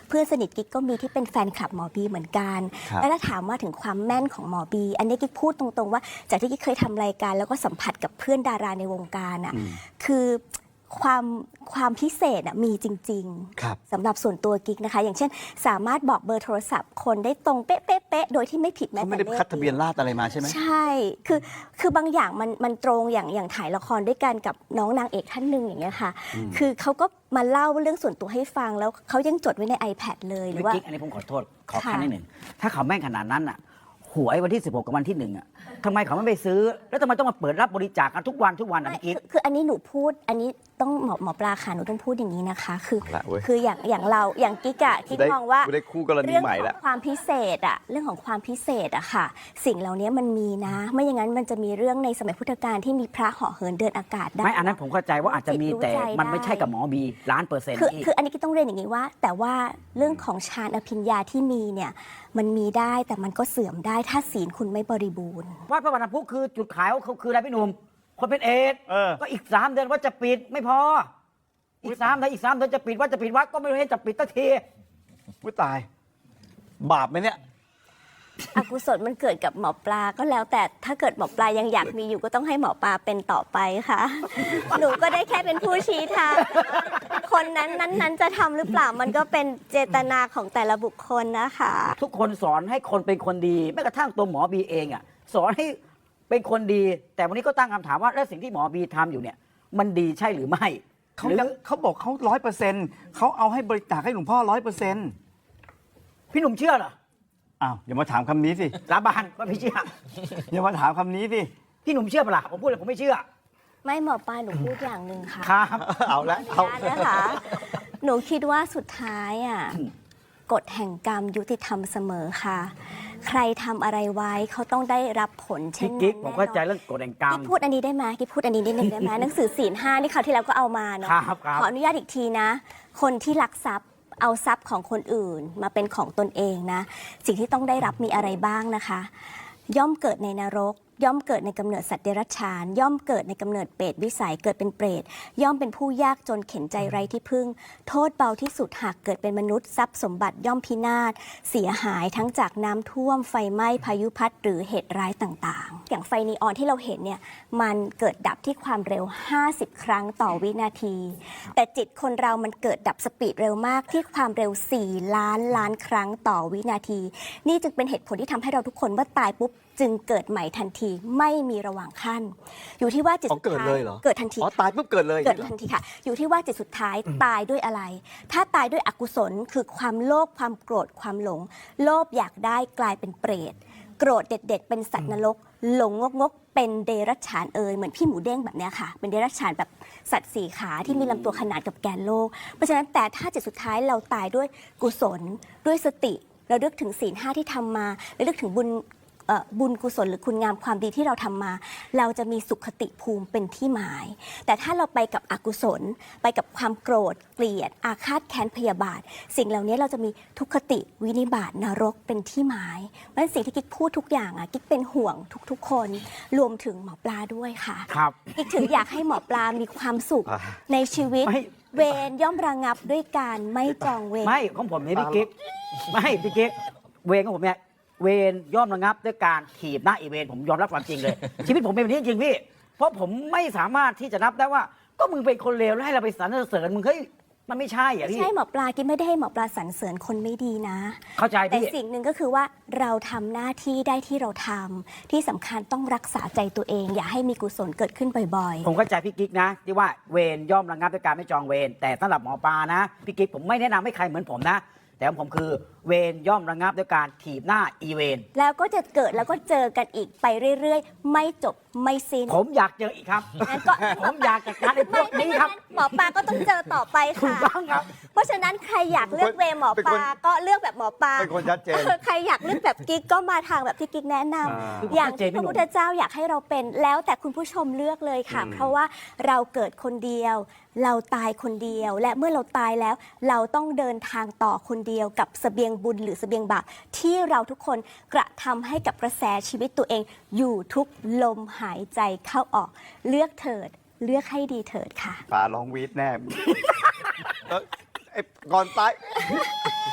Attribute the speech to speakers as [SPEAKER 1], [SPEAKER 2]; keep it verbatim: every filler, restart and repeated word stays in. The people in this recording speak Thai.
[SPEAKER 1] เพื่อนสนิทกิ๊กก็มีที่เป็นแฟนคลับหมอบีเหมือนกันแล้วถ้าถามว่าถึงความแม่นของหมอบีอันนี้กิ๊กพูดตรงๆว่าจากที่กิ๊กเคยทำรายการแล้วก็สัมผัสกับเพื่อนดาราในวงการอ่ะคือความความพิเศษมีจริงๆสำหรับส่วนตัวกิ๊กนะคะอย่างเช่นสามารถบอกเบอร์โทรศัพท์คนได้ตรงเป๊ะๆโดยที่ไม่ผิดแม้แต่เลข
[SPEAKER 2] ไม่ได้คัดทะเบียนราษฎร์อะไรมาใช่ไหม
[SPEAKER 1] ใช่คือคือบางอย่างมันมันตรงอย่างอย่างถ่ายละครด้วยกันกับน้องนางเอกท่านหนึ่งอย่างเงี้ยค่ะคือเขาก็มาเล่าเรื่องส่วนตัวให้ฟังแล้วเขายังจดไว้ใน iPad เลยหรือว่า
[SPEAKER 3] กิ๊กอันนี้ผมขอโทษขอคันนิดหนึ่งถ้าเขาแม่งขนาดนั้นอ่ะหวยวันที่สิบหกกับวันที่หนึ่งอ่ะทำไมเขาไม่ไปซื้อแล้วทำไมต้องมาเปิดรับบริจาคกันทุกวันทุกวันอ่ะกิ๊ก
[SPEAKER 1] คืออันนี้หนูพูดอันนี้ต้องหมอหมอปลาค่ะหนูต้องพูดอย่างนี้นะคะคือคืออย่างอย่างเราอย่างกิ๊กอะกิ๊กมองว่าเรื่องของความพิเศษอะเรื่องของความพิเศษอะค่ะสิ่งเหล่านี้มันมีนะไม่อย่างนั้นมันจะมีเรื่องในสมัยพุทธกาลที่มีพระเหาะเหินเดินอากาศได้
[SPEAKER 3] ไม่อันนั้นผมเข้าใจว่าอาจจะมีแต่มันไม่ใช่กับหมอบีล้านเปอร์เซ็นต์
[SPEAKER 1] คือคืออันนี้ก็ต้องเรียนอย่างนี้ว่าแต่ว่าเรื่องของฌานอภิญญาที่มีเนี่ยมันมีได้แต่มันก็เสื่อมได้ถ้าศีลคุณไม่บริบูรณ์
[SPEAKER 3] ว่าพระบรรพุคือจุดขายเขาคืออะไรพี่หนุ่มคนเป็นเอดก็อีกสามเดือนว่าจะปิดไม่พออีกสามเดือนอีกสามเดือนจะปิดว่าจะปิดวัดก็ไม่รู้ให้จะปิดตั้งที
[SPEAKER 2] วุ้ยตายบาปไหมเนี่ย
[SPEAKER 1] อกุศลมันเกิดกับหมอปลาก็แล้วแต่ถ้าเกิดหมอปลายังอยากมีอยู่ก็ต้องให้หมอปลาเป็นต่อไปค่ะ หนูก็ได้แค่เป็นผู้ชี้ทางคนนั้นนั้นนั้นจะทำหรือเปล่ามันก็เป็นเจตนาของแต่ละบุคคลนะคะ
[SPEAKER 3] ทุกคนสอนให้คนเป็นคนดีแม้กระทั่งตัวหมอบีเองอ่ะสอนให้เป็นคนดีแต่วันนี้ก็ตั้งคำถามว่าแล้วสิ่งที่หมอบีทำอยู่เนี่ยมันดีใช่หรือไม่
[SPEAKER 2] เขาเขาบอกเขาร้อยเปอร์เซ็นต์เขาเอาให้บริจาคให้หลวงพ่อร้อยเปอร์เซ็นต์
[SPEAKER 3] พี่หนุ่มเชื่อเหรอ
[SPEAKER 2] อ้าวอย่ามาถามคำนี้สิ
[SPEAKER 3] ลาบานว่าพี่เชื่อ
[SPEAKER 2] อย่ามาถามคำนี้สิ
[SPEAKER 3] พี่หนุ่มเชื่อเปล่าผมพูดเลยผมไม่เชื่อ
[SPEAKER 1] ไม่หมอปลาหนูพูดอย่างหนึ่งค่ะ
[SPEAKER 3] ครับ
[SPEAKER 2] เอาละเอา
[SPEAKER 1] นะคะหนูคิดว่าสุดท้ายอ่ะกฎแห่งกรรมยุติธรรมเสมอค่ะใครทำอะไรไว้เขาต้องได้รับผลเช่นนั้น
[SPEAKER 3] กิ๊กผมเข้าใจเรื่องกฎแห่งกรรม
[SPEAKER 1] กิ๊กพูดอันนี้ได้ไหมกิ๊กพูดอันนี้นิดนึงได้ไหมหนังสือศีลห้านี่คราวที่แล้วก็เอามาเนาะขออนุญาตอีกทีนะคนที่ลักทรัพย์เอาทรัพย์ของคนอื่นมาเป็นของตนเองนะสิ่งที่ต้องได้รับมีอะไรบ้างนะคะย่อมเกิดในนรกย่อมเกิดในกำเนิดสัตว์เดรัจฉานย่อมเกิดในกำเนิดเปรตวิสัยเกิดเป็นเปรตย่อมเป็นผู้ยากจนเข็นใจไร้ที่พึ่งโทษเบาที่สุดหากเกิดเป็นมนุษย์ทรัพย์สมบัติย่อมพินาศเสียหายทั้งจากน้ำท่วมไฟไหม้พายุพัดหรือเหตุร้ายต่างๆอย่างไฟนีออนที่เราเห็นเนี่ยมันเกิดดับที่ความเร็วห้าสิบครั้งต่อวินาทีแต่จิตคนเรามันเกิดดับสปีดเร็วมากที่ความเร็วสี่ล้านล้านครั้งต่อวินาทีนี่จึงเป็นเหตุผลที่ทำให้เราทุกคนว่าตายปุ๊บจึงเกิดใหม่ทันทีไม่มีระหว่างขั้นอยู่ที่ว่าจิตสุดท้ายเกิดทันที
[SPEAKER 2] อ๋อตายปุ๊บเกิดเลย
[SPEAKER 1] เกิดทันทีค่ะอยู่ที่ว่าจิตสุดท้ายตายด้วยอะไรถ้าตายด้วยอกุศลคือความโลภความโกรธความหลงโลภอยากได้กลายเป็นเปรตโกรธเด็ดๆเป็นสัตว์นรกหลงงกงกเป็นเดรัจฉานเอ่ยเหมือนพี่หมูเด้งแบบนี้ค่ะเป็นเดรัจฉานแบบสัตว์สี่ขาที่มีลำตัวขนาดกับแกนโลกเพราะฉะนั้นแต่ถ้าจิตสุดท้ายเราตายด้วยกุศลด้วยสติเราเลือกถึงศีลห้าที่ทำมาเราเลือกถึงบุญบุญกุศลหรือคุณงามความดีที่เราทำมาเราจะมีสุขติภูมิเป็นที่หมายแต่ถ้าเราไปกับอกุศลไปกับความโกรธเกลียดอาฆาตแค้นพยาบาทสิ่งเหล่านี้เราจะมีทุกขติวินิบาตนรกเป็นที่หมายเพราะฉะนั้นสิ่งที่กิ๊กพูดทุกอย่างอ่ะกิ๊กเป็นห่วงทุกๆคนรวมถึงหมอปลาด้วยค่ะ
[SPEAKER 3] ครับ
[SPEAKER 1] กิ๊กถึงอยากให้หมอปลามีความสุขในชีวิตเวรย่อมระงับด้วยการไม่จองเวร
[SPEAKER 3] ไม่ของผมเนี่ยพี่กิ๊กไม่พี่กิ๊กเวรของผมเนี่ยเวรย่อมระงับด้วยการถีบหน้าอีเวนผมยอมรับความจริงเลย ชีวิตผมเป็นแบบนี้จริงพี่เพราะผมไม่สามารถที่จะนับได้ว่าก็มึงเป็นคนเลวแล้วให้เราไปสรรเสริญมึงเฮ้ยมันไม่ใช่อ่ะพี่
[SPEAKER 1] ใช่หมอปลากิ๊ไม่ได้ให้หมอปลาสรรเสริญคนไม่ดีนะ
[SPEAKER 3] เข้าใจพี่
[SPEAKER 1] แต่สิ่งหนึ่งก็คือว่าเราทำหน้าที่ได้ที่เราทำที่สำคัญต้องรักษาใจตัวเองอย่าให้มีกุศลเกิดขึ้นบ่อย
[SPEAKER 3] ๆผมเข้าใจพี่กิ๊กนะที่ว่าเวรย่อมระงับด้วยการไม่จองเวรแต่สำหรับหมอปลานะพี่กิ๊กผมไม่แนะนำให้ใครเหมือนผมนะแต่ผมคือเวรย่อมระงับด้วยการถีบหน้าอีเวน
[SPEAKER 1] แล้วก็จะเกิดแล้วก็เจอกันอีกไปเรื่อยๆไม่จบไม่สิ้น
[SPEAKER 3] ผมอยากเจออีกครับผมอยากจัดการไอ้พวกนี้ครับ
[SPEAKER 1] หมอปลาก็ต้องเจอต่อไปค่ะ
[SPEAKER 3] ถูกต้องครับ
[SPEAKER 1] เพราะฉะนั้นใครอยากเลือกเวรหมอปลาก็เลือกแบบหมอปลา
[SPEAKER 2] เป็นคนชัดเจน
[SPEAKER 1] ใครอยากเลือกแบบกิ๊กก็มาทางแบบที่กิ๊กแนะนำอย่างที่พระพุทธเจ้าอยากให้เราเป็นแล้วแต่คุณผู้ชมเลือกเลยค่ะเพราะว่าเราเกิดคนเดียวเราตายคนเดียวและเมื่อเราตายแล้วเราต้องเดินทางต่อคนเดียวกับเสบียงบุญหรือเสบียงบาปที่เราทุกคนกระทำให้กับกระแสชีวิตตัวเองอยู่ทุกลมหายใจเข้าออกเลือกเถิดเลือกให้ดีเถิดค่ะ
[SPEAKER 2] ปลาลองวีดแน่ก่อนตาย